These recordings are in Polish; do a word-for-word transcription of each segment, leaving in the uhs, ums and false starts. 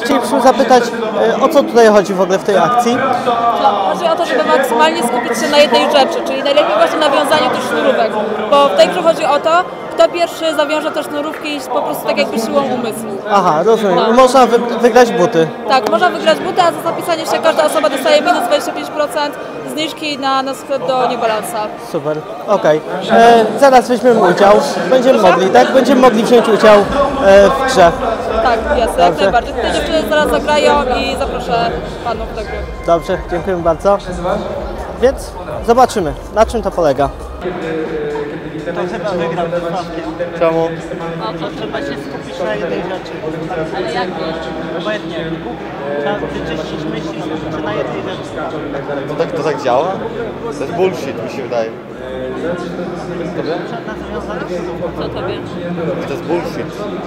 chcielibyśmy zapytać, o co tutaj chodzi w ogóle w tej akcji? Chodzi o to, żeby maksymalnie skupić się na jednej rzeczy, czyli najlepiej właśnie nawiązaniu tych sznurówek, bo w tej grze chodzi o to, kto pierwszy zawiąże te sznurówki i po prostu tak jakby siłą umysłu. Aha, rozumiem. No. Można wy wygrać buty. Tak, można wygrać buty, a za zapisanie się każda osoba dostaje minus dwadzieścia pięć procent zniżki na, na sklep do New Balance'a. Super, okej. Okay. Zaraz weźmiemy udział. Będziemy mogli, tak? Będziemy mogli wziąć udział e, w grze. Tak, jasne, jak najbardziej. Te dziewczyny zaraz zagrają i zaproszę panów do gry. Dobrze, dziękujemy bardzo. Więc zobaczymy, na czym to polega. To chyba wygrał z Sławkiem. Czemu? No to trzeba się skupić na jednej rzeczy. Ale jak? Obojętnie. Trzeba wyczyścić myśli, skupić się na jednej rzeczy. To tak, to tak działa? To jest bullshit, mi się wydaje. Tobie? Co tobie? To jest bullshit.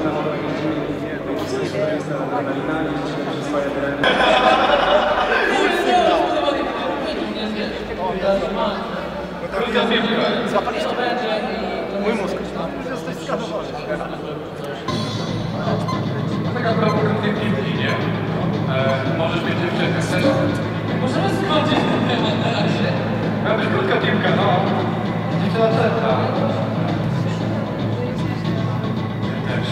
Mój mózg. Jesteś skanowany. Tak a propos krótkiej piłki, nie? E, możesz mieć dziewczynę. Możemy skończyć ten temat na razie. Ma być krótka piłka, no. Dziewczyna czerwna. Też.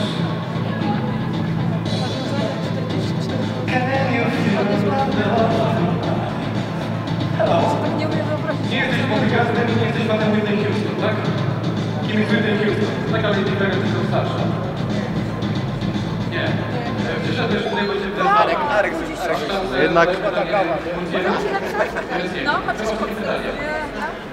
Nie jesteś bodyguardem i nie jesteś fanem Whitney Houston, tak? Kim jest Whitney Houston? Taka Lady Gaga, tylko starsza. Nie. Przyszedłeś tutaj, bo się Arek, Arek, jednak... No, chociaż